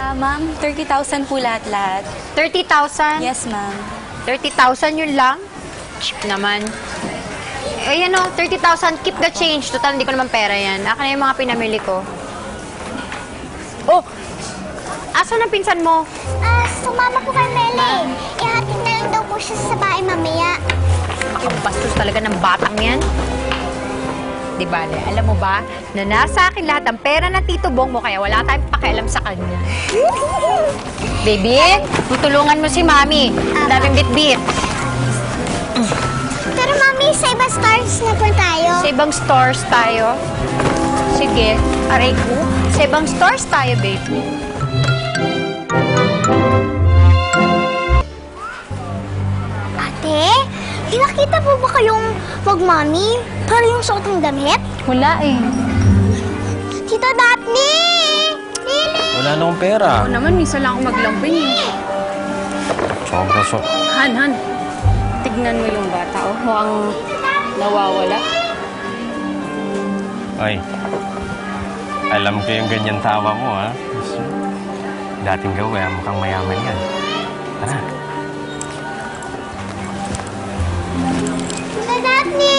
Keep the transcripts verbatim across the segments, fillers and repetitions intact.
Ah, ma'am, thirty thousand po lahat-lahat. thirty thousand? Yes, ma'am. thirty thousand yun lang? Cheap naman. Eh, yan o, thirty thousand, keep the change. Total, hindi ko naman pera yan. Akin na yung mga pinamili ko. Oh! Asan ang pinsan mo? Ah, sumama po kay Mele. Ihatid na lang daw po siya sa bahay mamaya. Ang bastos talaga ng batang yan. Di ba, Le? Alam mo ba, na nasa akin lahat ang pera ng Tito Bong mo, kaya wala tayong pakialam sa kanya. Baby, tutulungan mo si Mami. Ang daming bit-bit. Pero mami, sa ibang stars na po tayo. Sa ibang stores tayo. Sige, aray ko. Sa ibang stores tayo, baby. Ate, di nakita po ba kayong wag mami? Para yung suot ng damit? Wala eh. Tito Daphne! Lili! Wala na akong pera. Ako naman, minsan lang ako maglambing eh. Sobra so. Han, Han, tignan mo yung bata, oh. Mukhang nawawala. Ay, alam ko yung ganyan tawa mo, ha? Dating gawin, mukhang mayaman yan. Tara. Tito Daphne!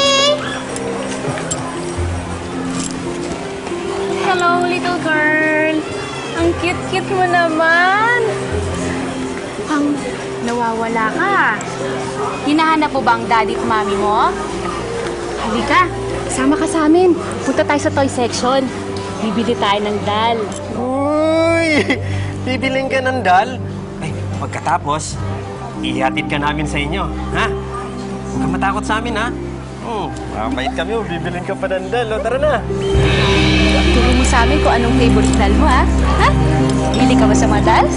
Hello, little girl. Ang cute-cute mo naman. Ang nawawala ka. Hinahanap mo ba ang daddy at mami mo? Halika, sama ka sa amin. Punta tayo sa toy section. Bibili tayo ng doll. Uy! Bibiling ka ng dal? Ay, pagkatapos, ihatid ka namin sa inyo, ha? Huwag ka matakot sa amin, ha? Hmm, mabait kami, oh. Bibiling ka pa ng dal, oh. Tara na! Turo mo sa amin kung anong favorite doll mo, ha? Ha? Bili ka ba sa mga dolls?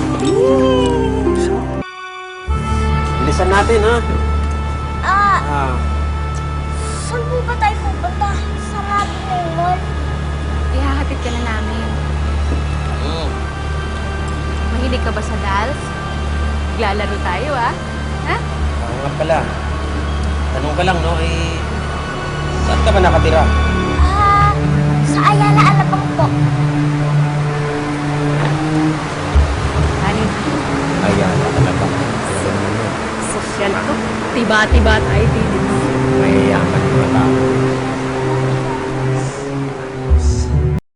Bilisan natin, ha? Ah, Ah, saan po ba tayo pupunta? Sa Rapid Mall? Ihahatid ka na namin. mm. Mahilig ka ba sa dolls? Maglalaro tayo, ah. Ha? Oo nga pala. Tanong ka lang, no? Eh, saan ka ba nakatira? Ah, sa Ayala Alabang po. Ano? Ayan, talaga. Sosyal ako. Tiba-tiba tayo din. Mayayaman mo na tao.